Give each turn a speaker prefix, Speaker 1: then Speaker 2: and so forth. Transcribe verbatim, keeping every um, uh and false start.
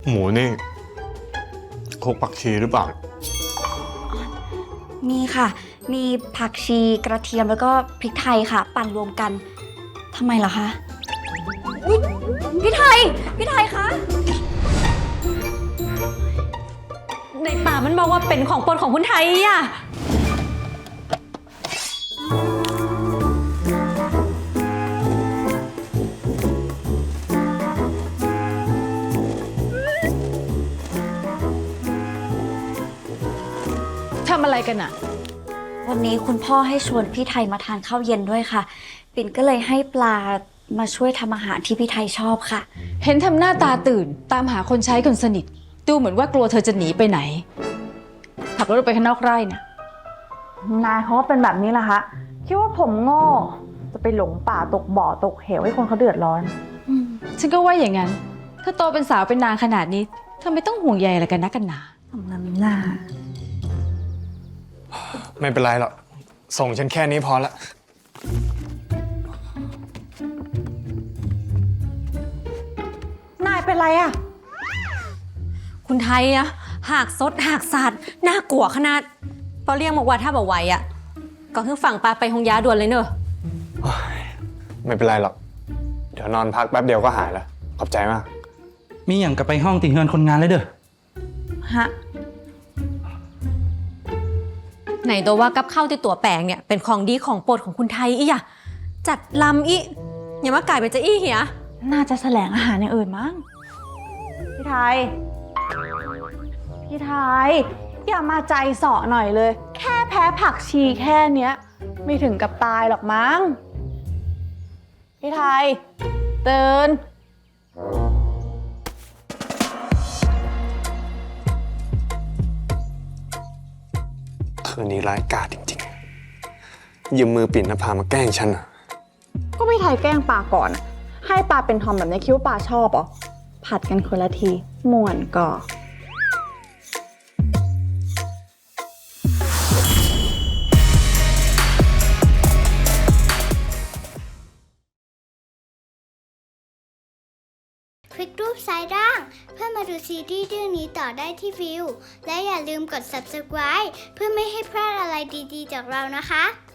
Speaker 1: หมูนี่คลุกผักชีหรือเปล่า
Speaker 2: มีค่ะมีผักชีกระเทียมแล้วก็พริกไทยค่ะปั่นรวมกันทำไมเหรอคะอุ๊ยพี่ไทยพี่ไทยคะ
Speaker 3: ในป่ามันบอกว่าเป็นของโปรดของคุณไทยอ่ะทำอะไรกันอะ
Speaker 2: วันนี้คุณพ่อให้ชวนพี่ไทยมาทานข้าวเย็นด้วยค่ะปิ่นก็เลยให้ปลามาช่วยทำอาหารที่พี่ไทยชอบค่ะ
Speaker 3: เห็นทำหน้าตาตื่นตามหาคนใช้คนสนิทดูเหมือนว่ากลัวเธอจะหนีไปไหนขับรถไปข้างนอกไร่น่ะ
Speaker 4: นายเขาก็เป็นแบบนี้แหละคะคิดว่าผมโง่จะไปหลงป่าตกบ่อตกเหวให้คนเขาเดือดร้อน
Speaker 3: ฉันก็ว่าอย่างนั้นถ้าโตเป็นสาวเป็นนางขนาดนี้ทำไมต้องห่วงใยอะไรกันนักกันหนา
Speaker 4: ทำน้ำหน้า
Speaker 1: ไม่เป็นไรหรอกส่งฉันแค่นี้พอละ
Speaker 4: นายเป็นไรอะ
Speaker 5: คุณไทยอะหากซดหากสาดน่ากลัวขนาดพอเรียกบอกว่าถ้าบอกไหวอะก็คือฝั่งปลาไปหงยาด่วนเลยเนอะ
Speaker 1: ไม่เป็นไรหรอกเดี๋ยวนอนพักแป๊บเดียวก็หายแล้วขอบใจมาก
Speaker 6: มีอย่างกับไปห้องติเฮือนคนงานเลยเด้อ
Speaker 4: ฮะ
Speaker 5: ไหนตัวว่ากับข้าวที่ตัวแปลงเนี่ยเป็นของดีของโปรดของคุณไทยอีอะจัดลำอีอย่ามากลายเป็นจะอี้เหีย
Speaker 4: น่าจะแสลงอาหารอย่างอื่นมั้งพี่ไทยพี่ไทยอย่ามาใจเสาะหน่อยเลยแค่แพ้ผักชีแค่เนี้ยไม่ถึงกับตายหรอกมั้งพี่ไทยตื่น
Speaker 1: คืนนี้ร้ายกาจจริงๆยืมมือปิ่นนภามาแกล้งฉันอ่ะ
Speaker 4: ก็พี่ไทยแกล้งปลาก่อนให้ปลาเป็นทอมแบบนี้คิดว่าปลาชอบเหรอผัดกันคนละทีม่วนก่อ
Speaker 7: คลิกรูปซ้ายล่างเพื่อมาดูซีรีส์เรื่องนี้ต่อได้ที่วิวและอย่าลืมกด ซับสไครบ์ เพื่อไม่ให้พลาดอะไรดีๆจากเรานะคะ